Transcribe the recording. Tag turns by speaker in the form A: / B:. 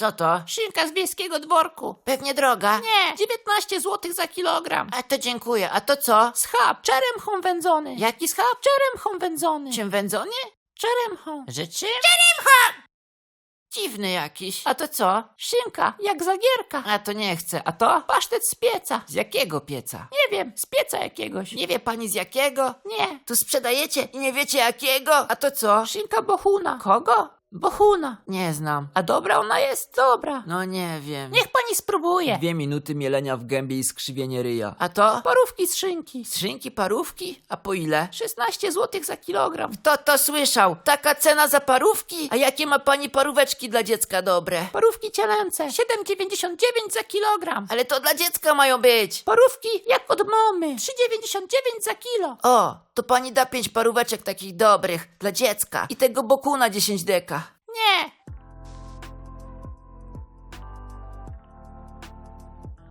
A: Co to?
B: Szynka z wiejskiego dworku.
A: Pewnie droga.
B: Nie, 19 zł za kilogram.
A: A to dziękuję. A to co?
B: Schab, czeremchą wędzony.
A: Jaki schab?
B: Czeremchą wędzony.
A: Czym wędzony?
B: Czeremchą.
A: Że czym? Dziwny jakiś.
B: A to co? Szynka, jak zagierka.
A: A to nie chcę. A to?
B: Pasztet z pieca.
A: Z jakiego pieca?
B: Nie wiem, z pieca jakiegoś.
A: Nie wie pani z jakiego?
B: Nie.
A: Tu sprzedajecie i nie wiecie jakiego? A to co?
B: Szynka bohuna.
A: Kogo?
B: Bohuna.
A: Nie znam.
B: A dobra ona jest? Dobra.
A: No nie wiem.
B: Niech pani spróbuje.
C: 2 minuty mielenia w gębie i skrzywienie ryja.
A: A to?
B: Parówki z szynki.
A: Z szynki parówki? A po ile?
B: 16 zł za kilogram.
A: Kto to słyszał? Taka cena za parówki? A jakie ma pani paróweczki dla dziecka dobre?
B: Parówki cielęce. 7,99 za kilogram.
A: Ale to dla dziecka mają być.
B: Parówki jak od mamy. 3,99 za kilo.
A: O, to pani da 5 paróweczek takich dobrych dla dziecka i tego bokuna 10 deka.
B: Nie,